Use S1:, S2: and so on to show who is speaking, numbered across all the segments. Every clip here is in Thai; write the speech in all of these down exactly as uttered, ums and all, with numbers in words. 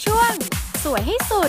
S1: ช่วงสวยให้สุด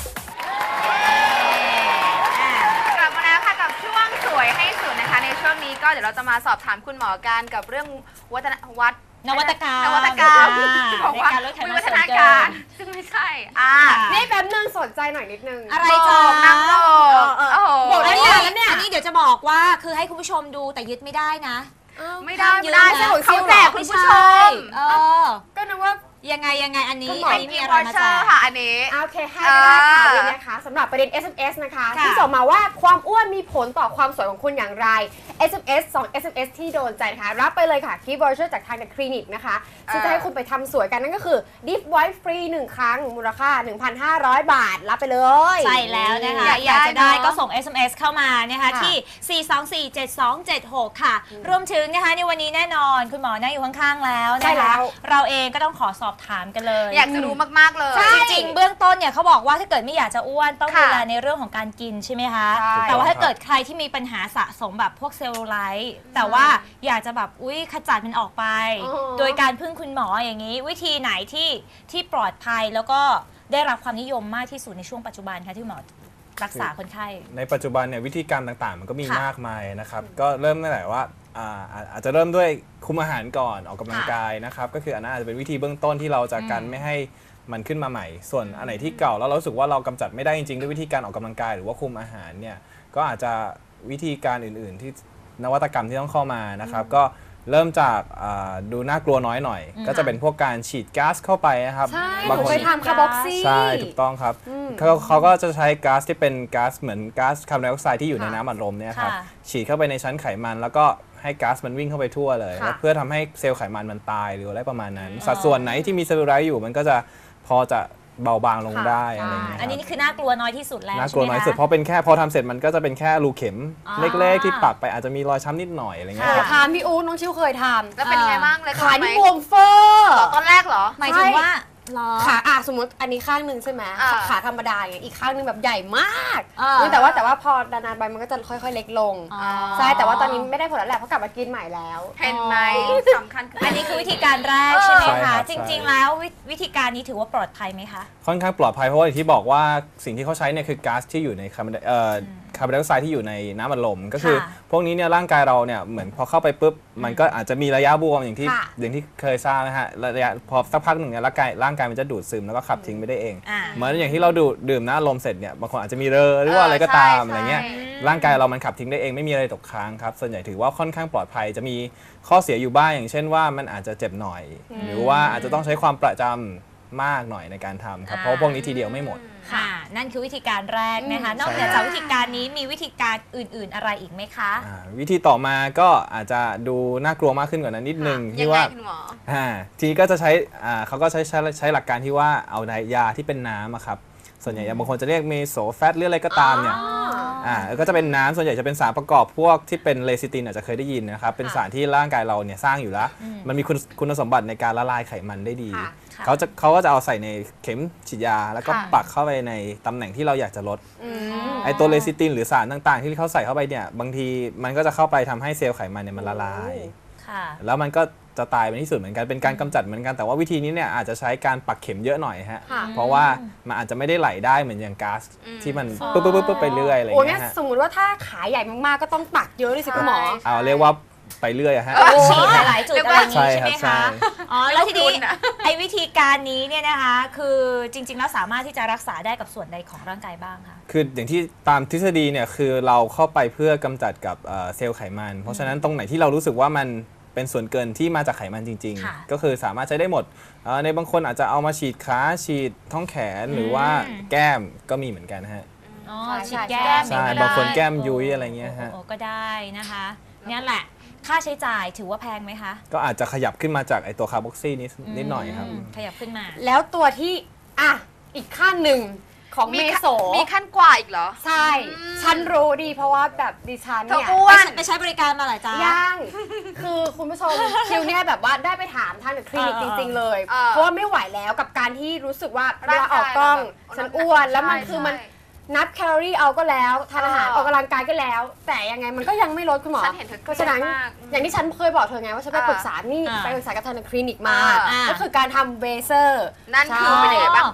S2: กลับมาแล้วค่ะกับช่วงสวยให้สุดนะคะในช่วงนี้ก็เดี๋ยวเราจะมาสอบถามคุณหมอกันกับเรื่องวัฒนวัฒน์
S3: นวัตกรรม
S2: นวัตกรรม
S3: ในการลดไขมัน
S2: วิวัฒ
S3: ส่วน
S2: นา
S3: เกิ
S2: การ
S3: น
S2: ซึ่งไม่ใช่อ่า
S4: นี่แป๊บนึงสนใจหน่อยนิดนึง
S3: อะไร
S2: บ
S3: จ๊ะ
S2: อกนางโลก
S4: เออเออ
S2: โอ้โห
S4: บอก
S3: แล้ว
S4: ได้
S3: เนี่ย
S4: แล้วเนี่ย
S3: อันนี้เดี๋ยวจะบอกว่าคือให้คุณผู้ชมดูแต่ยึดไม่ได้นะ
S2: ไม่ได้
S3: ห้าม
S2: ไม่ได้
S3: ยืมนะ
S2: เขาแจกคุณผู้ชม
S3: เออ
S4: ก็นึกว่า
S3: ยังไงยังไงอันนี้
S4: คุณหมอ
S3: อัน
S2: เป็น
S3: นี้
S2: กิ
S3: มี
S2: ฟ
S3: อะ
S2: ต์
S3: ไร
S2: วอ
S3: มา
S2: เช
S3: แจ
S2: อร์
S3: ก
S2: ค่ะอันนี้
S4: โอเคให้ก็ได้ค่ะวันนี้นะคะสำหรับประเด็น เอส เอ็ม เอส นะคะ
S3: ค่ะ
S4: ที่ส่งมาว่าความอ้วนมีผลต่อความสวยของคุณอย่างไร เอส เอ็ม เอส สอง เอส เอ็ม เอส ที่โดนใจนะคะรับไปเลยค่ะกิฟต์วอเชอร์จากทางคลินิกนะคะซึ่งจะให้คุณไปทำสวยกันนั่นก็คือ Deep White Free หนึ่งครั้งมูลค่า หนึ่งพันห้าร้อย บาทรับไปเลย
S3: ใช่แล้วนะคะ
S2: อยาก
S3: อยากจะได้
S2: ได้เนอะ
S3: ก็ส่ง เอส เอ็ม เอส เข้ามานะคะ
S4: ค่ะ
S3: ที่ สี่ สอง สี่ เจ็ด สอง เจ็ด หก ค่ะ รวมถึงนะคะในวันนี้แน่นอนคุณหมอนั่งอยู่ข้างๆแล้ว
S4: ใช่
S3: นะ
S4: แล้
S3: คะ
S4: ว
S3: เราเองก็ต้องขอสอบถามกันเลย
S2: อยากจะรู้มากๆเลย
S4: ใช่
S3: จริงๆเบื้องต้นเนี่ยเขาบอกว่าถ้าเกิดไม่อยากจะอ้วนต้อง
S2: ค่ะ
S3: ดูแลในเรื่องของการกินใช่ไหมคะ
S4: ใช่
S3: แต่ว่าถ้าเกิดใครที่มีปัญหาสะสมแบบพวกเซลลูไลท์แต่ว่าอยากจะแบบอุ้ยขจัดมันออกไป
S4: อ๋อ
S3: โดยการพึ่งคุณหมออย่างนี้ วิธีไหนที่ที่ปลอดภัยแล้วก็ได้รับความนิยมมากที่สุดในช่วงปัจจุบันคะที่หมอรักษาคนไข้
S5: ในปัจจุบันเนี่ยวิธีการต่างๆ มันก็มี
S3: ค่ะ
S5: มากมายนะครับก็เริ่มตั้งแต่ว่าอ่าอาอาจจะเริ่มด้วยคุมอาหารก่อนออกกำลังกายนะครับก็คืออันนั้นอาจจะเป็นวิธีเบื้องต้นที่เราจะกันไม่ให้มันขึ้นมาใหม่ ส่วนอันไหนที่เก่าแล้วเรารู้สึกว่าเรากำจัดไม่ได้จริงๆด้วยวิธีการออกกำลังกายหรือว่าคุมอาหารเนี่ยก็อาจจะวิธีการอื่นๆ ที่นวัตกรรมที่ต้องเข้ามานะครับก็เริ่มจากอ่าดูน่ากลัวน้อยหน่อย ก็จะเป็นพวกการฉีดก๊าซเข้าไปนะครับ
S4: ใช่ห
S5: บาง
S4: นู
S5: คน
S4: เคยทำคาร์บอกซี่
S5: ใช่ถูกต้องครับ
S4: อืม
S5: เขาเขาก็จะใช้ก๊าซที่เป็นก๊าซเหมือนก๊าซคาร์บอนไดออกไซด์ที่อยู่ใน
S4: ค่ะ
S5: น้ำอัดลมเนี่ยครับ
S3: ค่ะ
S5: ฉีดเข้าไปในชั้นไขมัน แล้วก็ให้ก๊าซมันวิ่งเข้าไปทั่วเลย
S4: ค่ะ
S5: แล้วเพื่อทำให้เซลล์ไขมันมันตายหรืออะไรประมาณนั้น สัดส่วนไหนที่มีเซลลูไลท์อยู่มันก็จะพอจะเบาบางลงได้อะไรอย่างเงี้ย
S3: อันนี้
S5: ครับ
S3: นี่คือน่ากลัวน้อยที่สุดแล้ว
S5: น่ากลัว
S3: ใช่ไหม
S5: น้อยสุด
S3: คะ
S5: เพราะเป็นแค่พอทำเสร็จมันก็จะเป็นแค่รูเข็ม
S3: อ๋อ
S5: เล็กๆที่ปักไปอาจจะมีรอยช้ำนิดหน่อยอะไรเงี้ย
S4: เค
S5: ค
S4: ย
S5: รับ
S4: ทำพี่อู๋น้องชิวเคยทำ
S2: แล้วเป็นยังไงบ้างเลย
S4: ขานี่
S2: ไหม
S4: บวมเฟ้อ
S2: ตอนแรกเหรอ
S3: หมายถึงว่าเหรอ
S4: ขาอ่ะสมมติอันนี้ข้างหนึ่งใช่ไหม
S2: อ่า
S4: ขาธรรมดาอย่างเงี้ยอีกข้างหนึ่งแบบใหญ่มาก
S3: อ่า
S4: แต่ว่าแต่ว่าพอนานๆไปมันก็จะค่อยๆเล็กลง
S3: อ๋อ
S4: ใช่แต่ว่าตอนนี้ไม่ได้ผลแล้วแหละเพราะกลับมากินใหม่แล้ว
S2: เห็นไหมสำคัญคือ
S3: อั
S2: อั
S3: นนี้คือวิธีการแรกใช่ไหม
S5: ใช่ครั
S3: คะ
S5: บ
S3: จริง ๆ แล้ววิวิธีการนี้ถือว่าปลอดภัยไหมคะ
S5: ค่อนข้างปลอดภัยเพราะว่าอย่างที่บอกว่าสิ่งที่เขาใช้เนี่ยคือก๊าซที่อยู่ในคาร์บอนไดเอ่อคาร์บอนไดออกไซด์ที่อยู่ในน้ำอัดลมก็คือ
S3: ค่ะ
S5: พวกนี้เนี่ยร่างกายเราเนี่ยเหมือนพอเข้าไปปุ๊บมันก็อาจจะมีระยะบวมอย่างที่
S4: ค่ะ
S5: อย่างที่เคยทราบนะฮะระยะพอสักพักหนึ่งเนี่ยร่างกายร่างกายมันจะดูดซึมแล้วก็ขับทิ้งไปได้เอง
S3: อ่า
S5: เหมือนอย่างที่เราดูดดื่มน้ำอัดลมเสร็จเนี่ยบางคนอาจจะมีเรอหรือว่าอะไรก็ตาม
S2: ใช่
S5: อะไรเงี้ย
S2: ใช่
S5: ร่างกายเรามันขับทิ้งได้เองไม่มีอะไรตกค้างครับส่วนใหญ่ถือว่าค่อนข้างปลอดภัยจะมีข้อเสียอยู่บ้างอย่างเช่นว่ามันอาจจะเจ็บหน่อย หรือว่าอาจจะต้องใช้ความประจำมากหน่อยในการทำครับเพราะว่าพวกนี้ทีเดียวไม่หมด
S3: ค่ะ นั่นคือวิธีการแรกนะคะ
S4: อืม
S3: นอกเหนือจากวิธีการนี้มีวิธีการอื่น ๆ อะไรอีกไหมคะ
S5: อ่าวิธีต่อมาก็อาจจะดูน่ากลัวมากขึ้นกว่านั้นนิดนึง
S2: ยั
S5: ที่
S2: งไง
S5: ว่า
S2: คุณหมอ
S5: อ่าทีนี้ก็จะใช้อ่าเขาก็ใช้ใช้ใช้หลักการที่ว่าเอายาที่เป็นน้ำอะครับส่วนใหญ่บางคนจะเรียกเมโซแฟตหรืออะไรก็ตามเนี่ยอ่าก็จะเป็นน้ำส่วนใหญ่จะเป็นสารประกอบพวกที่เป็นเลซิตินอาจจะเคยได้ยินนะครับเป็นสารที่ร่างกายเราเนี่ยสร้างอยู่แล้ว มันมีคุณคุณสมบัติในการละลายไขมันได้ดี
S4: ค่ะ
S3: ค่ะ
S5: เขาจะเขาก็จะเอาใส่ในเข็มฉีดยา แล้วก็
S2: ค่ะ
S5: ปักเข้าไปในตำแหน่งที่เราอยากจะลด
S4: อืม
S5: ไอตัวเลซิตินหรือสารต่างๆ ที่เขาใส่เข้าไปเนี่ยบางทีมันก็จะเข้าไปทำให้เซลล์ไขมันเนี่ยมันละลาย
S3: ค่ะ
S5: แล้วมันก็จะตายไปในที่สุดเหมือนกันเป็นการกำจัดเหมือนกันแต่ว่าวิธีนี้เนี่ยอาจจะใช้การปักเข็มเยอะหน่อยฮะ
S4: ค่ะ
S5: เพราะว่ามันอาจจะไม่ได้ไหลได้เหมือนอย่างก๊าซที่มันปุ๊บปุ๊บปุ๊บไปเรื่อยอะไรอ
S4: โอ้
S5: ย่าง
S4: งั้
S5: เงี้
S4: น
S5: ยฮะ
S4: สมมติว่าถ้าขาใหญ่มากๆ ก็ต้องปักเยอะเลยสิคุณหมอ
S2: ใช่
S5: เอาเรียกว่าไปเรื่อยอะฮะ
S3: ฉีดหลายๆจุดอะไรอย่าง
S5: ใช่
S3: นี้ใช่
S5: ครั
S3: ไหม
S5: บใช่
S3: คะ อ๋อ แล้วทีนี้
S2: ไม่ต้องคุณอะ
S3: ไอ้วิธีการนี้เนี่ยนะคะ คือจริง ๆ แล้วสามารถที่จะรักษาได้กับส่วนใดของร่างกายบ้างคะ
S5: คืออย่างที่ตามทฤษฎีเนี่ยคือเราเข้าไปเพื่อกำจัดกับเอ่อเซลล์ไขมัน เพราะฉะนั้นตรงไหนที่เรารู้สึกว่ามันเป็นส่วนเกินที่มาจากไขมันจริง
S3: ค่ะ
S5: ๆ ก็คือสามารถใช้ได้หมดเอ่อในบางคนอาจจะเอามาฉีดขาฉีดท้องแขนหรือว่าแก้มก็มีเหมือนกันฮะ
S3: อ๋อ
S4: ใช่
S3: ฉีด
S4: ใช่
S3: แก้ม
S5: ใช่
S3: ก็ได้
S5: บางคนแก้มยุ้ยอะไรเงี้ยฮะ
S3: โอ้โอ้ก็ได้นะคะเนี่ยแหละ ค่าใช้จ่ายถือว่าแพงไหมคะ
S5: ก็อาจจะขยับขึ้นมาจากไอตัวคาร์บอกซี่นิดนิดหน่อยครับ
S3: มขยับขึ้นมา
S4: แล้วตัวที่อ่ะอีกขั้นหนึ่งของเมโส
S2: มีขั้นกว่าอีกเหรอ
S4: ใช่ ฉันรู้ดีเพราะว่าแบบดิฉัน
S2: เธอ
S4: เนี่ย
S2: อ้ว
S3: ไป
S2: น
S3: ใช้ไปใช้บริการมาหลายจ้า
S4: ย่าง คือคุณผู้ชม คิวเนี่ยแบบว่าได้ไปถามทางคลินิก
S3: เอ
S4: จ
S3: อ
S4: ริง ๆ เลย
S2: เออ
S4: เพราะว่าไม่ไหวแล้วกับการที่รู้สึกว่าเว
S2: ร่าง
S4: ลาก
S2: าย
S4: ออกกล้อง
S2: เราแบบ
S4: ฉันอ้วนแล้วมัน
S2: ใช่
S4: คือมัน
S2: ใช่
S4: นับแคลอรี่เอาก็แล้วทานอาหาร
S2: เออ
S4: ออกกำลังกายก็แล้ว แต่ยังไงมันก็ยังไม่ลดคุณหมอ
S2: ฉันเห็นเธอ
S4: เพราะฉะนั้น
S2: เครียดมาก
S4: อย่างที่ฉันเคยบอกเธอไงว่าฉันไป
S2: เออ
S4: ปรึกษานี่
S3: อ่า
S4: ไปปรึกษากับทางคลินิกมา
S2: อ่า
S4: ก็คือการทำเวเซอร์
S2: นั่นคือเป็นยังไงบ้างคุณหมอ
S4: เว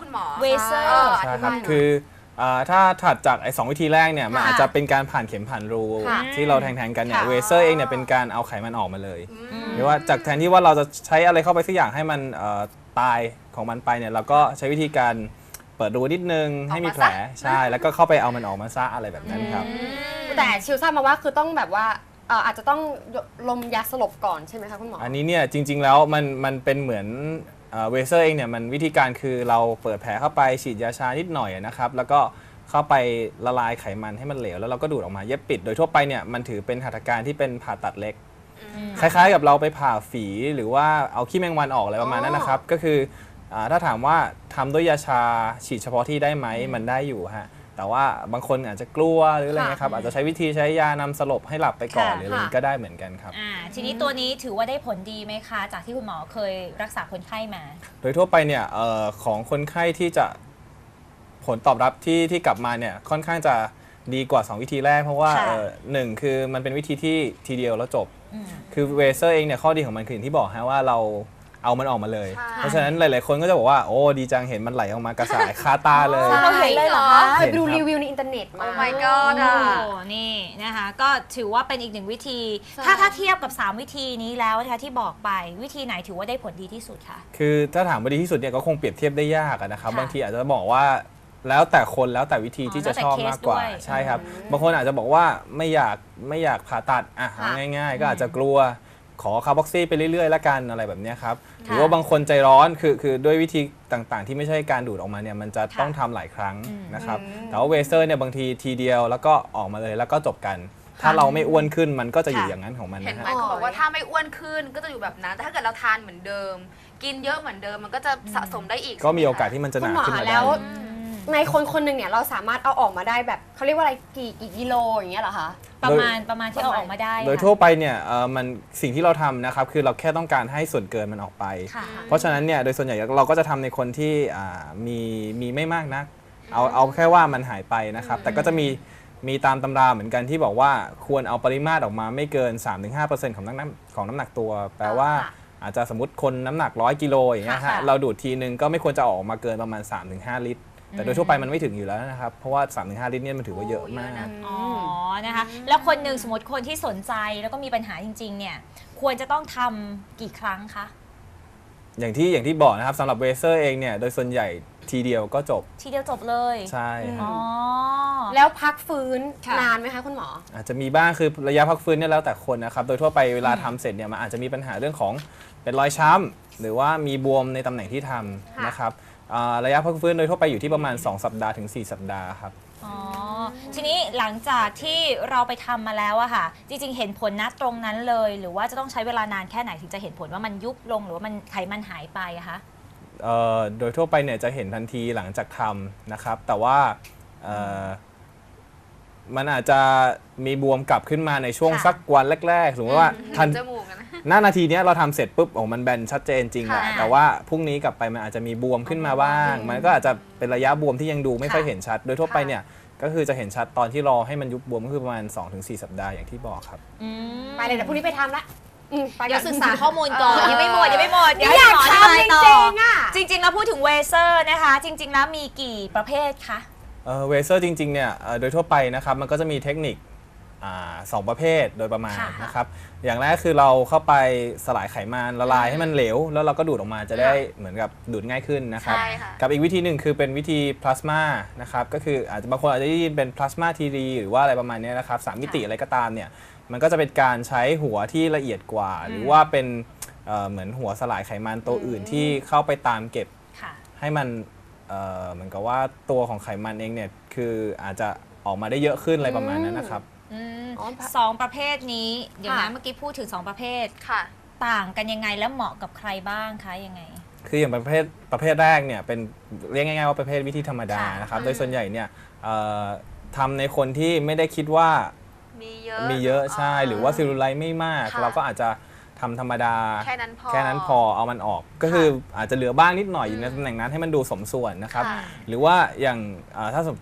S3: เวเซอ
S2: เออ
S3: ร์
S2: อ
S5: ใช่
S2: ธิ
S5: ครับ
S2: บายหน่อย
S5: คืออ่าถ้าถัดจากไอ้สองวิธีแรกเนี่ยมัน
S3: ค่ะ
S5: อาจจะเป็นการผ่านเข็มผ่านรู
S4: ค่ะ
S5: ที่เราแทงๆกันเนี่ย
S3: ค่ะ
S5: เวเซอร์เองเนี่ยเป็นการเอาไขมันออกมาเลย
S2: อืม
S5: หรือว่าจากแทนที่ว่าเราจะใช้อะไรเข้าไปสักอย่างให้มันเอ่อตายของมันไปเนี่ยเราก็ใช้วิธีการเปิดรูนิดนึงให้มีแผลใช่แล้วก็เข้าไปเอามันออกมาซะอะไรแบบนั้นครับ
S4: แต่ชิวทราบมาว่าคือต้องแบบว่าเอ่ออาจจะต้องลมยาสลบก่อนใช่ไหมคะคุณหมอ
S5: อันนี้เนี่ยจริง ๆ แล้วมันมันเป็นเหมือนเวเซอร์เองเนี่ยมันวิธีการคือเราเปิดแผลเข้าไปฉีดยาชานิดหน่อยนะครับแล้วก็เข้าไปละลายไขมันให้มันเหลวแล้วเราก็ดูดออกมาเย็บปิด โดยทั่วไปเนี่ยมันถือเป็นหัตถการที่เป็นผ่าตัดเล็ก คล้ายๆกับเราไปผ่าฝีหรือว่าเอาขี้แมงวันออกอะไรประมาณนั้นนะครับก็คืออ่าถ้าถามว่าทำด้วยยาชาฉีดเฉพาะที่ได้ไหมมันได้อยู่ฮะแต่ว่าบางคนอาจจะกลัวหรืออะไรเงี้ยครับอาจจะใช้วิธีใช้ยานำสลบให้หลับไปก่อน
S3: ค่ะ
S5: หรืออะไรก็ได้เหมือนกันครับ
S3: อ่าทีนี้ตัวนี้ถือว่าได้ผลดีไหมคะ จากที่คุณหมอเคยรักษาคนไข้มา
S5: โดยทั่วไปเนี่ยเอ่อของคนไข้ที่จะผลตอบรับที่ที่กลับมาเนี่ยค่อนข้างจะดีกว่าสองวิธีแรกเพราะว่า
S3: ค่ะ
S5: เอ่อหนึ่งคือมันเป็นวิธีที่ทีเดียวแล้วจบ
S3: อืม
S5: คือเวเซอร์เองเนี่ยข้อดีของมันคืออย่างที่บอกฮะว่าเราเอามันออกมาเลย
S2: ใช่
S5: เพราะฉะนั้นหลาย ๆ คนก็จะบอกว่าโอ้ดีจังเห็นมันไหลออกมากระสายคาตาเลย
S4: เราเห็นเลยเหรอคะเคยไปดู
S5: เห็นครับ
S4: รีวิวในอินเทอร์เน็ตมา
S2: Oh my god อ่ะ
S3: โอ้นี่นะคะก็ถือว่าเป็นอีกหนึ่งวิธี
S4: ใช่
S3: ถ้าถ้าเทียบกับ สาม วิธีนี้แล้วนะคะที่บอกไปวิธีไหนถือว่าได้ผลดีที่สุดคะ
S5: คือถ้าถามว่าดีที่สุดเนี่ยก็คงเปรียบเทียบได้ยากอะนะครับ
S3: ค่ะ
S5: บางทีอาจจะบอกว่าแล้วแต่คนแล้วแต่วิธี
S3: อ๋อ
S5: ที่จะ
S3: แล้วแต่
S5: ชอบ
S3: เคส
S5: มากกว่า
S3: ด้วย
S5: ใช่ครับบางคนอาจจะบอกว่าไม่อยากไม่อยากผ่าตัดอ่ะเอาง่าย ๆ ก็อาจจะกลัวขอคาร์บอกซี่ไปเรื่อยๆละกันอะไรแบบเนี้ยครับหรือว่าบางคนใจร้อนคือคือด้วยวิธีต่างๆ ที่ไม่ใช่การดูดออกมาเนี่ยมันจะต้องทำหลายครั้งนะครับแต่ว่าเวเซอร์เนี่ยบางทีทีเดียวแล้วก็ออกมาเลยแล้วก็จบกัน ถ้าเราไม่อ้วนขึ้นมันก็จะอยู่อย่างนั้นของมัน
S2: เห็น
S5: นะ
S2: ไหม
S5: ฮะ
S2: เขาบอกว่าถ้าไม่อ้วนขึ้นก็จะอยู่แบบนั้น แต่ถ้าเกิดเราทานเหมือนเดิม กินเยอะเหมือนเดิมมันก็จะสะสมได้อีก
S5: ก็มีโอกาสที่มันจะห
S4: คุณ
S5: นา
S4: หมอ
S5: ขึ้นมา
S4: แล้
S5: ได้
S4: วในคนคนหนึ่งเนี่ยเราสามารถเอาออกมาได้แบบเขาเรียกว่าอะไรกี่กี่กิโลอย่างเงี้ยเหรอคะ
S3: ประมาณประมาณที่เอาออกมาได้
S5: โดย
S3: ค่ะ
S5: ทั่วไปเนี่ยเอ่อมันสิ่งที่เราทำนะครับคือเราแค่ต้องการให้ส่วนเกินมันออกไป
S3: ค่ะ
S5: เพราะฉะนั้นเนี่ยโดยส่วนใหญ่เราก็จะทำในคนที่อ่ามีมีไม่มากนัก เอาเอาแค่ว่ามันหายไปนะครับ แต่ก็จะมีมีตามตำราเหมือนกันที่บอกว่าควรเอาปริมาตรออกมาไม่เกิน สามถึงห้าเปอร์เซ็นต์ ของน้ำหนักของน้ำหนักตัว แปลว่า
S4: ค่ะ
S5: อาจจะสมมติคนน้ำหนักร้อยกิโลอย่างเงี้ย
S3: ค่ะ
S5: ฮะเราดูดทีนึงก็ไม่ควรจะออกมาเกินประมาณ สามถึงห้า ลิตร แต่โดยทั่วไปมันไม่ถึงอยู่แล้วนะครับเพราะว่า สามถึงห้า ลิตรเนี่ยมันถือว่าเยอะมาก
S3: อ๋อนะคะแล้วคนหนึ่งสมมติคนที่สนใจแล้วก็มีปัญหาจริงๆเนี่ยควรจะต้องทำกี่ครั้งคะ
S5: อย่างที่อย่างที่บอกนะครับสำหรับเวเซอร์เองเนี่ยโดยส่วนใหญ่ทีเดียวก็จบ
S3: ทีเดียวจบเลย
S5: ใช่
S3: อ๋อ
S4: แล้วพักฟื้น
S3: ค่ะ
S4: นานไหมคะคุณหมอ
S5: อาจจะมีบ้างคือระยะพักฟื้นเนี่ยแล้วแต่คนนะครับโดยทั่วไปเวลาทำเสร็จเนี่ยมันอาจจะมีปัญหาเรื่องของเป็นรอยช้ำหรือว่ามีบวมในตำแหน่งที่ทำ
S4: ค่ะ
S5: นะครับอ่าระยะพักฟื้นโดยทั่วไปอยู่ที่ประมาณ สอง สัปดาห์ถึง สี่ สัปดาห์ครับ
S3: อ๋อทีนี้หลังจากที่เราไปทำมาแล้วอะค่ะ จริงๆ เห็นผลนะตรงนั้นเลย หรือว่าจะต้องใช้เวลานานแค่ไหนถึงจะเห็นผลว่ามันยุบลงหรือว่ามันไขมันหายไปอะคะ
S5: เอ่อโดยทั่วไปเนี่ยจะเห็นทันทีหลังจากทำนะครับ แต่ว่าเอ่อมันอาจจะมีบวมกลับขึ้นมาในช่วง
S3: ค่ะ
S5: สักวันแรกๆสมมติว่าทัน
S2: จมูกอะนะ
S5: หน้านาทีเนี้ยเราทำเสร็จปุ๊บโอ้มันแบนชัดเจนจริงแหละ
S2: ค่ะ
S5: แต่ว่าพรุ่งนี้กลับไปมันอาจจะมีบวมขึ้นมาบ้าง มันก็อาจจะเป็นระยะบวมที่ยังดูไม่ค่อยเห็นชัด โดยทั่วไปเนี่ยก็คือจะเห็นชัดตอนที่รอให้มันยุบบวมก็คือประมาณ สองถึงสี่ สัปดาห์อย่างที่บอกครับ
S3: อืม
S4: ไปเลยเดี๋ยวพรุ่งนี้ไปทำละอืมไป
S3: เดี๋ยว
S4: ก่อน
S3: ศึกษาข้อมูลก่อน
S2: เออ
S3: ยังไม่หมดยังไม่หมด
S4: ไม่อยาก
S3: ให้
S4: ทำ
S3: หมอ
S4: จ
S3: ธิบายต่อ
S4: ริงๆอ่ะ
S3: จริง ๆ แล้วพูดถึงเวเซอร์นะคะ จริง ๆ แล้วมีกี่ประเภทคะ
S5: เอ่อเวเซอร์จริงๆเนี่ยเอ่อโดยทั่วไปนะครับมันก็จะมีเทคนิคอ่าสองประเภทโดยประมาณ
S3: ค่ะ
S5: นะครับอย่างแรกคือเราเข้าไปสลายไขมันละลายให้มันเหลว แล้วเราก็ดูดออกมาจะได้เหมือนกับดูดง่ายขึ้นนะครับ
S2: ใช่ค่ะ
S5: กับอีกวิธีหนึ่งคือเป็นวิธีพลาสมานะครับก็คืออาจจะบางคนอาจจะได้ยินเป็นพลาสมาทีดีหรือว่าอะไรประมาณเนี้ยนะครับสามมิติอะไรก็ตามเนี่ยมันก็จะเป็นการใช้หัวที่ละเอียดกว่า หรือว่าเป็นเอ่อเหมือนหัวสลายไขมันตัวอื่นที่เข้าไปตามเก็บ
S3: ค่ะ
S5: ให้มันเอ่อเหมือนกับว่าตัวของไขมันเองเนี่ยคืออาจจะออกมาได้เยอะขึ้นอะไรประมาณนั้นนะครับ
S3: อืม
S4: อ๋อ
S3: สองประเภทนี้ เดี๋ยวนะ
S4: ค่ะ
S3: เมื่อกี้พูดถึงสองประเภท
S2: ค่ะ
S3: ต่างกันยังไงและเหมาะกับใครบ้างคะยังไง
S5: คืออย่างประเภทประเภทแรกเนี่ยเป็นเรียกง่ายๆว่าประเภทวิธีธรรมดา
S3: ค่ะ
S5: นะครับ
S2: อืม
S5: โดยส่วนใหญ่เนี่ยเอ่อทำในคนที่ไม่ได้คิดว่า
S2: มีเยอะ
S5: มีเยอะใช่หรือว่าซิลลูไลท์ไม่มาก
S2: ค่ะ
S5: เราก็อาจจะทำธรรมดา
S2: แค่นั้นพอ
S5: แค่นั้นพอเอามันออก ก็คืออาจจะเหลือบ้างนิดหน่อยอยู่ในตำแหน่งนั้นให้มันดูสมส่วนนะครับ
S2: ค่ะ
S5: หรือว่าอย่างอ่าถ้าสำสำหรับ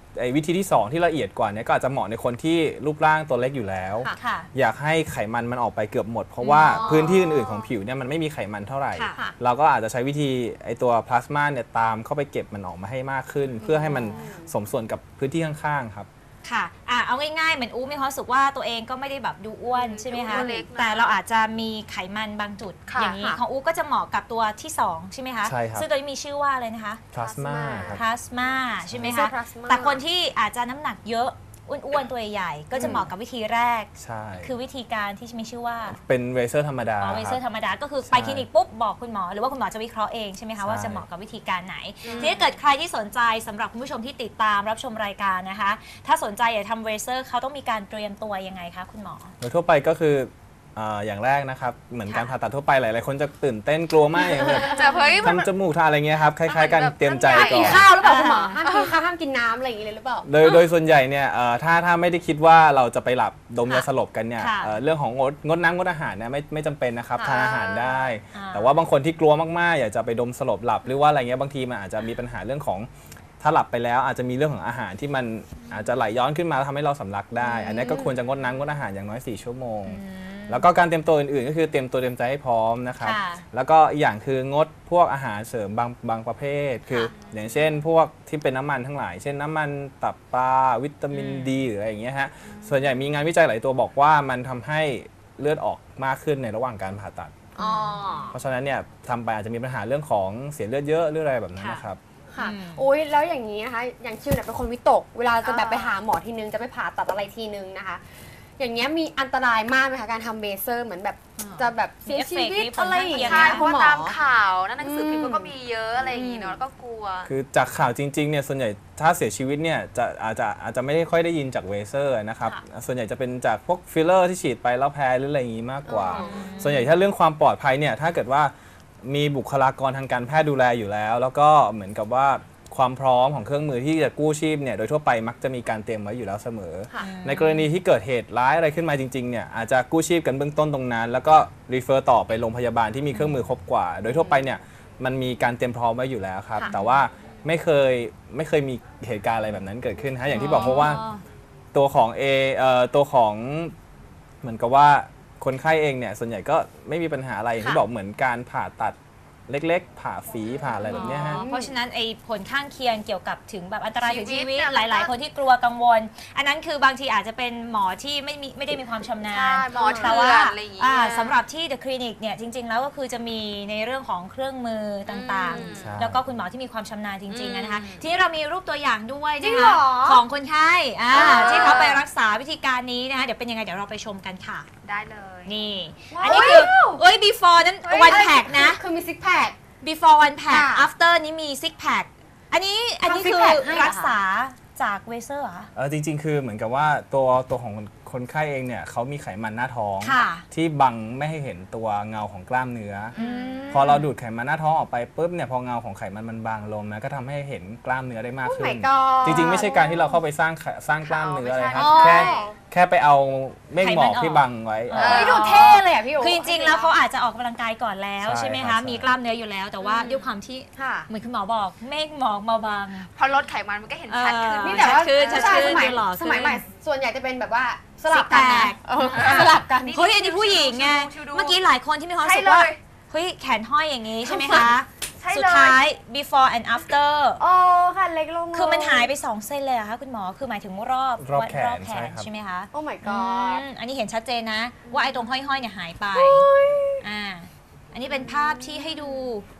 S5: ไอ้วิธีที่สองที่ละเอียดกว่านี้ก็อาจจะเหมาะในคนที่รูปร่างตัวเล็กอยู่แล้ว
S3: ค่ะ
S5: อยากให้ไขมันมันออกไปเกือบหมด เพราะว่าพื้นที่อื่นๆของผิวเนี่ยมันไม่มีไขมันเท่าไหร่
S3: ค่ะ
S5: เราก็อาจจะใช้วิธีไอตัวพลาสมาเนี่ยตามเข้าไปเก็บมันออกมาให้มากขึ้น เพื่อให้มันสมส่วนกับพื้นที่ข้างๆครับ
S3: ค่ะอ่ะ เอาง่ายๆ เหมือนอู้มีความรู้สึกว่าตัวเองก็ไม่ได้แบบดูอ้วนใช่ไหมคะ
S2: ดูเล็กนะ
S3: แต่เราอาจจะมีไขมันบางจุด
S2: ค่ะ
S3: อย่างนี้ของอู้ก็จะเหมาะกับตัวที่สองใช่ไหมคะ
S5: ใช่ครับ
S3: ซึ่งตัวนี้มีชื่อว่าอะไรนะคะ
S5: พลาสมาครับ
S3: พลาสมาใช่ไหม
S4: ไม่
S3: คะ
S4: ใช่ plasma
S3: แต่คนที่อาจจะน้ำหนักเยอะอ้วนๆ ตัวใหญ่ๆก็จะเหมาะกับวิธีแรก
S5: ใช่
S3: คือวิธีการที่มีชื่อว่า
S5: เป็นเรเซอร์ธรรมดา
S3: อ๋อเวเซอร์
S5: ค
S3: ธ
S5: บ
S3: รรมดาก็คือ
S5: ใช่
S3: ไปคลินิกปุ๊บบอกคุณหมอหรือว่าคุณหมอจะวิเคราะห์เองใช่ไหมคะว่า
S5: ใช่
S3: จะเหมาะกับวิธีการไหน ทีนี้เกิดใครที่สนใจสำหรับคุณผู้ชมที่ติดตามรับชมรายการนะคะ ถ้าสนใจอยากทำเวเซอร์เขาต้องมีการเตรียมตัวยังไงคะคุณหมอ
S5: โดยทั่วไปก็คืออ่าอย่างแรกนะครับเหมือนการผ่าตัดทั่วไปหลายๆคนจะตื่นเต้นกลัวมากอย่างแบบ
S2: จะเฮ้ยมัน
S5: ทำจมูกทาอะไรเงี้ยครับคล้ายๆกันเตรียมใจ
S4: ห้าม
S5: ก่
S4: กิ
S5: อน น
S4: ข้าวหรือเปล่าคุณหมอห้ามกินข้าวห้ามกินน้ำอะไรอย่างเงี้ยเลยหรือเปล่า
S5: โดยโดยส่วนใหญ่เนี่ยเอ่อถ้าถ้าไม่ได้คิดว่าเราจะไปหลับดมยาสลบกันเนี่ย
S3: ค่ะ
S5: เอ่อเรื่องของงดงดน้ำงดอาหารเนี่ยไม่ไม่จำเป็นนะครับ
S2: อ่า
S5: ทานอาหารได้
S3: อ่า
S5: แต่ว่าบางคนที่กลัวมากๆ อยากจะไปดมสลบหลับหรือว่าอะไรเงี้ยบางทีมันอาจจะมีปัญหาเรื่องของถ้าหลับไปแล้วอาจจะมีเรื่องของอาหารที่มันอาจจะไหลย้อนขึ้นมาทำให้เราสำลักได้ อันนี้ก็ควรจะงดน้ำงดอาหารอย่างน้อยสี่ชั่วโมง แล้วก็การเตรียมตัวอื่นๆ ก็คือเตรียมตัวเตรียมใจให้พร้อมนะครับ
S3: ค่ะ
S5: แล้วก็อีกอย่างคืองดพวกอาหารเสริมบางบางประเภท คืออย่างเช่น พวกที่เป็นน้ำมันทั้งหลาย เช่นน้ำมันตับปลาวิตามินดีหรืออะไรอย่างเงี้ยฮะ ส่วนใหญ่มีงานวิจัยหลายตัวบอกว่ามันทำให้เลือดออกมากขึ้นในระหว่างการผ่าตัด
S4: อ๋อ
S5: เพราะฉะนั้นเนี่ยทำไปอาจจะมีปัญหาเรื่องของเสียเลือดเยอะหรืออะไรแบบนั้นนะครับ
S4: ค่ะ
S3: อืม
S4: โอ้ยแล้วอย่างนี้นะคะ อย่างชิวเนี่ยเป็นคนวิตก เวลาจะแบบไปหาหมอทีนึง จะไปผ่าตัดอะไรทีนึงนะคะ อย่างเงี้ยมีอันตรายมากไหมคะการทำเบเซอร์เหมือนแบบจะแบบเสียชีวิต
S3: มีเอฟเฟกต์
S4: อะไรอย่างเงี้ย
S2: ใช่
S4: นะ
S2: เพ
S4: คุ
S2: ราะ
S4: ณ
S2: ว่า
S4: หมอ
S2: ตามข่าวนั่นหนังสือพิมพ์
S4: อืม
S2: ก็มีเยอะอะไรอย่างงี้เนาะแล้วก็กลัว
S5: คือจากข่าวจริงๆเนี่ยส่วนใหญ่ถ้าเสียชีวิตเนี่ยจะอาจจะอาจจะไม่ได้ค่อยได้ยินจากเวเซอร์นะครับส่วนใหญ่จะเป็นจากพวกฟิลเลอร์ที่ฉีดไปแล้วแพ้หรืออะไรอย่างนี้มากกว่า ส่วนใหญ่ถ้าเรื่องความปลอดภัยเนี่ยถ้าเกิดว่ามีบุคลากรทางการแพทย์ดูแลอยู่แล้ว แล้วก็เหมือนกับว่าความพร้อมของเครื่องมือที่จะกู้ชีพเนี่ยโดยทั่วไปมักจะมีการเตรียมไว้อยู่แล้วเสมอ
S4: ค่ะ
S5: ในกรณีที่เกิดเหตุร้ายอะไรขึ้นมาจริงๆเนี่ยอาจจะกู้ชีพกันเบื้องต้นตรงนั้น แล้วก็รีเฟอร์ต่อไปโรงพยาบาลที่มีเครื่องมือครบกว่า โดยทั่วไปเนี่ยมันมีการเตรียมพร้อมไว้อยู่แล้วครับ
S4: ค่ะ
S5: แต่ว่าไม่เคยไม่เคยมีเหตุการณ์อะไรแบบนั้นเกิดขึ้นฮะอย่างที่บอกเพราะว่าตัวของ A เอ่อตัวของเหมือนกับว่าคนไข้เองเนี่ยส่วนใหญ่ก็ไม่มีปัญหาอะไรอย่างที่บอกเหมือนการผ่าตัดเล็กๆ ผ่าฝีผ่าอะไรแบบเนี้ยฮะ
S3: อ๋อเพราะฉะนั้นไอ้ผลข้างเคียงเกี่ยวกับถึงแบบอันตรายถึงชีวิต
S2: ชีวิตเนี่ย
S3: หลาย ๆ คนที่กลัวกังวล อันนั้นคือบางทีอาจจะเป็นหมอที่ไม่มีไม่ได้มีความชำนา
S2: ใช่
S3: ญ
S2: หมอ
S3: แต่
S2: เถื่
S3: ว่า
S2: อนอะไรอย่างงี้
S3: อ่าสำหรับที่ The Clinic เนี่ยจริง ๆ แล้วก็คือจะมีในเรื่องของเครื่องมือต่าง
S2: อืม
S5: ใช่
S3: ๆ แล้วก็คุณหมอที่มีความชำนาญจริงๆ
S2: อืม
S3: นะคะ ทีนี้เรามีรูปตัวอย่างด้วย
S4: จริ
S3: นะ
S4: งเหร
S3: คะ
S4: อ
S3: ของคนไข้อ่า
S2: อ่า
S3: ที่เขาไปรักษาวิธีการนี้นะคะเดี๋ยวเป็นยังไงเดี๋ยวเราไปชมกันค่ะ
S2: ได้เลย
S3: นี่
S4: ว้าว
S3: อันนี้คือเอ้ย before นั้น one pack นะ
S4: คือมีซิกแพค
S3: before one pack
S4: ค่ะ
S3: after นี้มี six pack อันนี้อันนี้
S4: ทำ six
S3: คือ
S4: pack ให้เหรอคะ
S3: รักษาจากเวเซอร์เหรอคะ
S5: เออจริงๆ คือเหมือนกับว่าตัวตัวของคนไข้เองเนี่ยเขามีไขมันหน้าท้อง
S3: ค่ะ
S5: ที่บังไม่ให้เห็นตัวเงาของกล้ามเนื้ออพอเราดูดไขมันหน้าท้องออกไปปุ๊บเนี่ยพอเงาของไขมันมันบางลงนะก็ทำให้เห็นกล้ามเนื้อได้มาก
S4: โอ้
S5: ขึ้
S4: my
S5: น
S4: god
S5: จริงๆ ไม่ใช่การที่เราเข้าไปสร้างไขสร้างกล้ามเนื้ออะไรครับ
S4: อ๋อ
S5: แค่แค่ไปเอาเมฆหมอก
S3: ไขมันออก
S5: ที่บังไว้
S3: เออ
S4: เฮ้ยดูเท่เลยอ่ะพี่โอ๋
S3: คือจริงๆ แล้วเขาอาจจะออกกำลังกายก่อนแล้ว
S5: ใช่
S3: ใช่ไหม
S5: ครั
S3: คะ
S5: บ
S3: มีกล้ามเนื้ออยู่แล้ว แต่ว่าด้วยความที่
S4: ค่ะ
S3: เหมือนคุณหมอบอกเมฆหมอกมาบาง
S2: พอลดไขมันมันก็เห็นชัดขึ้น
S3: เออ
S4: นี่แต่ว่า
S3: ชัดขึ้นชัด
S4: ใช่
S3: ขึ้น
S4: สมัย
S3: ดูหล่อขึ้น
S4: สมัยใหม่ส่วนใหญ่จะเป็นแบบว่าสลับกัน
S3: Six
S4: นะ
S3: pack
S4: เออสลับกัน
S3: เฮ้ยอันนี้ผู้หญิงไง
S2: ชิวๆ
S3: เมื่อกี้หลายคนที่มีความรู้สึก
S2: ใช่
S3: ว่า
S2: เลย
S3: เฮ้ยแขนห้อยอย่างนี้ใช่ไหมคะ
S2: ใช่เลย
S3: สุดท้าย before and after
S4: โอ้ค่ะเล็กลงเลย
S3: คือมันหายไปสองเส้นเลยเหรอคะคุณหมอคือหมายถึงรอบ
S5: รอบแขน
S3: รอบแข
S5: ใช่
S3: น
S5: ครับ
S3: ใช่ไหมคะ
S4: โอ้ my
S3: อื
S4: god
S3: มอันนี้เห็นชัดเจนนะ ว่าไอ้ตรงห้อยๆเนี่ยหายไปอ่าอันนี้เป็นภาพที่ให้ดู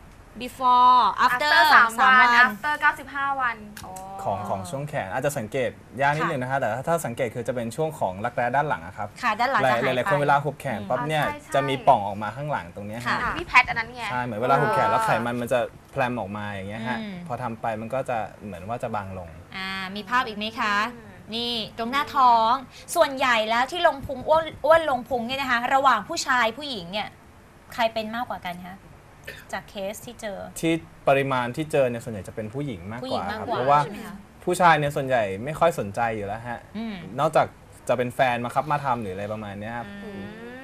S3: before after
S2: after สาม
S3: สาม
S2: วัน
S3: วัน
S2: after เก้าสิบห้าวันโ
S5: ของของช่วงแขนอาจจะสังเกตยากนิดนึงนะคะแต่ถ้าถ้าสังเกตคือจะเป็นช่วงของรักแร้ด้านหลังอะครับ
S3: ค่ะด้านหลัง
S5: หลา
S3: จะ
S5: ย
S3: หาย
S5: หลายๆ
S3: ไป
S5: คนเวลาหุบแขนปั๊บเนี่ย
S2: อ่าใช่ใช่
S5: จะมีป่องออกมาข้างหลังตรงเนี้ย
S3: ค่ะ
S5: ฮะ
S2: พี่แพทอันนั้นไง
S5: ใช่เหมือนเวลาหุบแขนแล้วไขมันมันจะแพลมออกมาอย่างเงี้ยฮะ
S3: อืม
S5: พอทำไปมันก็จะเหมือนว่าจะบางลง
S3: อ่ามีภาพอีกไหมคะ นี่ตรงหน้าท้องส่วนใหญ่แล้วที่ลงพุงอ้วนอ้วนลงพุงเนี่ยนะคะ ระหว่างผู้ชายผู้หญิงเนี่ยใครเป็นมากกว่ากันคะจากเคสที่เจอ
S5: ที่ปริมาณที่เจอเนี่ยส่วนใหญ่จะเป็นผู้หญิงมาก
S3: ผู้ห
S5: ก
S3: ญิง
S5: ว่า
S3: มาก
S5: ครับ
S3: กว่า
S5: เพราะว่า
S3: ใช่ไหมคะ
S5: ผู้ชายเนี่ยส่วนใหญ่ไม่ค่อยสนใจอยู่แล้วฮะ
S3: อืม
S5: นอกจากจะเป็นแฟนมาครับมาทำหรืออะไรประมาณเนี้ยครับผ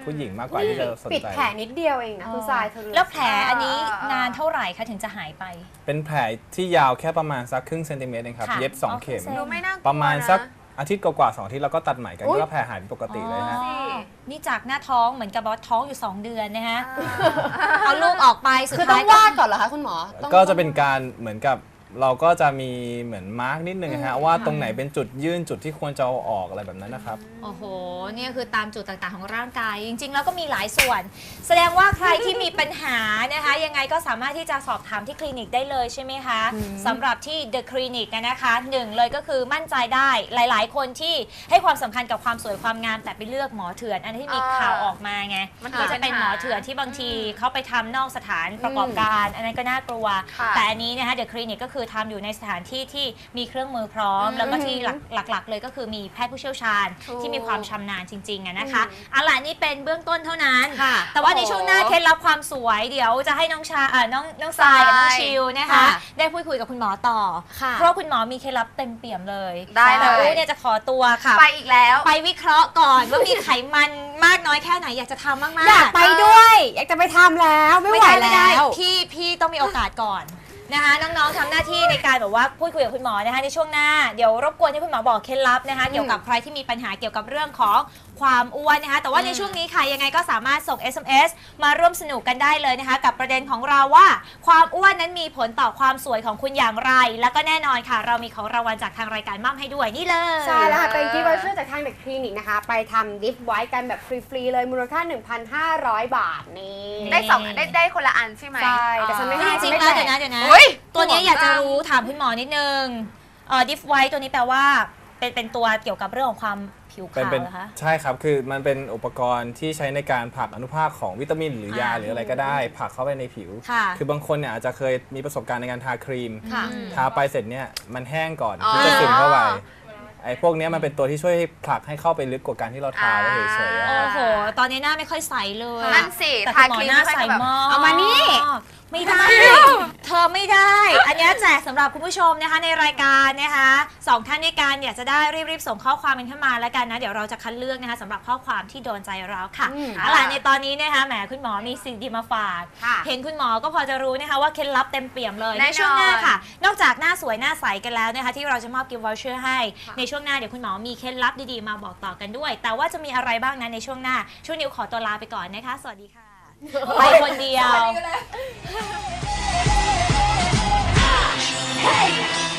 S5: ผู้หญิงมากกว่าที่จะสน
S4: ปิด
S5: ใจ
S4: แผลนิดเดียวเองนะคุณทรายเธอรู้
S3: แล้วแผลอันนี้นานเท่าไหร่คะถึงจะหายไป
S5: เป็นแผลที่ยาวแค่ประมาณสักครึ่งเซนติเมตรเองครับ
S3: ค่ะ
S5: เย็บสอง
S3: อ๋อ
S5: เข็ม
S3: ครึ่งเซน
S2: ดูไม่น่ากลัว
S5: ประมาณสัก
S2: นะ
S5: อาทิตย์กว่าๆสองอาทิตย์เราก็ตัดใหม่กัน
S4: อุ๊ย
S5: ก็แผลหายเป็นปกติเลยฮะ
S3: อ๋อนี่จากหน้าท้องเหมือนกับว่าท้องอยู่ สอง เดือนนะฮะ เอาลูกออกไปสุด
S4: คือต้อ
S3: ท้าย
S4: งวาดก่อนเหรอคะคุณหมอต้อง
S5: ก็จะเป็นการเหมือนกับเราก็จะมีเหมือนมาร์กนิดนึงนะฮะว่าตรงไหนเป็นจุดยื่นจุดที่ควรจะเอาออกอะไรแบบนั้นนะครับ
S3: โอ้โหเนี่ยคือตามจุดต่างๆของร่างกาย จริงๆ แล้วก็มีหลายส่วน แสดงว่าใครที่มีปัญหานะคะ ยังไงก็สามารถที่จะสอบถามที่คลินิกได้เลยใช่ไหมคะสำหรับที่ The Clinic นะคะหนึ่งเลยก็คือมั่นใจได้หลายๆ คนที่ให้ความสำคัญกับความสวยความงามแต่ไปเลือกหมอเถื่อน อันที่มีข่าวออกมาไง
S2: มัน
S3: ก็จะเป็นหมอเถื่อนที่บางทีเขาไปทำนอกสถานประกอบการ อันนั้นก็น่ากลัว
S2: ค่ะ
S3: แต่อันนี้นะคะ The Clinic ก็คือทำอยู่ในสถานที่ที่มีเครื่องมือพร้อม แล้วก็ที่หลักหลักๆ เลยก็คือมีแพทย์ผู้เชี่ยวชาญ
S2: ถูก
S3: ที่มีความชำนาญจริงๆอะนะคะเอาล่ะนี่เป็นเบื้องต้นเท่านั้น
S4: ค่ะ
S3: แต่ว่าในช่วงหน้าเคล็ดลับความสวยเดี๋ยวจะให้น้องชาเอ่อน้องน้องทรายกับน้องชิวนะคะ
S4: ค่ะ
S3: ได้พูดคุยกับคุณหมอต่อ
S4: ค่ะ
S3: เพราะคุณหมอมีเคล็ดลับเต็มเปี่ยมเลย
S2: ได้เลย
S3: แต่อู้เนี่ยจะขอตัวค่ะ
S2: ไปอีกแล้ว
S3: ไปวิเคราะห์ก่อนว่ามีไขมันมากน้อยแค่ไหนอยากจะทำมากๆ
S4: อยากไปด้วย อยากจะไปทำแล้วไม่ไหว
S3: ไม่ได้
S4: แล้ว
S3: พี่พี่ต้องมีโอกาสก่อนนะคะน้องๆทำหน้าที่ในการแบบว่าพูดคุยกับคุณหมอนะคะในช่วงหน้าเดี๋ยวรบกวนให้คุณหมอบอกเคล็ดลับนะคะเกี่ยวกับใครที่มีปัญหาเกี่ยวกับเรื่องของความอ้วนนะคะแต่ว่าในช่วงนี้ค่ะยังไงก็สามารถส่ง เอส เอ็ม เอส มาร่วมสนุกกันได้เลยนะคะกับประเด็นของเราว่าความอ้วนนั้นมีผลต่อความสวยของคุณอย่างไร แล้วก็แน่นอนค่ะ เรามีของรางวัลจากทางรายการมอบให้ด้วยนี่เลย
S4: ใช่แล้วค่ะเป็นกิฟต์วอเชอร์จากทางเด็กคลินิกนะคะ ไปทำดิฟไว้กันแบบฟรี ๆ เลยมูลค่า หนึ่งพันห้าร้อย บาทนี่
S2: ได้สองได้ได้คนละอันใช่ไหม
S4: ใช่แต่ฉันไม่ให้
S3: จริงๆแล้วเดี๋ยวนะเดี๋ยวนะ
S2: อุ๊ย
S3: ตัวนี้อยากจะรู้ถามคุณหมอนิดนึงเอ่อดิฟไวท์ตัวนี้แปลว่าเป็นเป็นตัวเกี่ยวกับเรื่องของความผิว
S5: เป็น
S3: ขาว
S5: เป็น
S3: เหรอคะ
S5: ใช่ครับคือมันเป็นอุปกรณ์ที่ใช้ในการผลักอนุภาคของวิตามินหรือยา
S3: อ่า
S5: หรืออะไรก็ได้ผลักเข้าไปในผิว
S3: ค่ะ
S5: คือบางคนเนี่ยอาจจะเคยมีประสบการณ์ในการทาครีม
S4: ค่ะ
S5: ทาไปเสร็จเนี่ยมันแห้งก่อน
S2: อ๋อ
S5: ที่จะซึมเข้าไปไอ้พวกเนี้ยมันเป็นตัวที่ช่วยให้ผลักให้เข้าไปลึกกว่าการที่เราทาไว้เฉยๆอะ
S2: อ่า
S3: โอ้โห ตอนนี้หน้าไม่ค่อยใสเลย
S2: นั่นสิ
S3: แต่
S2: ทา
S3: คุณหมอ
S2: ครีม
S3: หน้า
S2: ไม่
S3: ใส
S2: ค่อยแบบ
S3: มาก
S4: เอามานี่
S3: ไม่ได้ เธอไม่ได้ อันเนี้ยแจกสำหรับคุณผู้ชมนะคะในรายการนะคะสองท่านด้วยกันอยากจะได้รีบๆส่งข้อความกันเข้ามาแล้วกันนะเดี๋ยวเราจะคัดเลือกนะคะสำหรับข้อความที่โดนใจเราค่ะ
S4: อืม
S3: เอาล่ะในตอนนี้นะคะแหมคุณหมอมีสิ่งดีมาฝาก
S4: ค่ะ
S3: เห็นคุณหมอก็พอจะรู้นะคะว่าเคล็ดลับเต็มเปี่ยมเลย
S2: แน่
S3: ใน
S2: นอน
S3: ช่วงหน้าค่ะ นอกจากหน้าสวยหน้าใสกันแล้วนะคะที่เราจะมอบกิฟต์วอเชอร์ให้ในช่วงหน้าเดี๋ยวคุณหมอมีเคล็ดลับดีๆมาบอกต่อกันด้วย แต่ว่าจะมีอะไรบ้างนั้นในช่วงหน้าช่วงนิวขอตัวลาไปก่อนนะคะ สวัสดีค่ะ ไปคนเดียว
S1: Hey!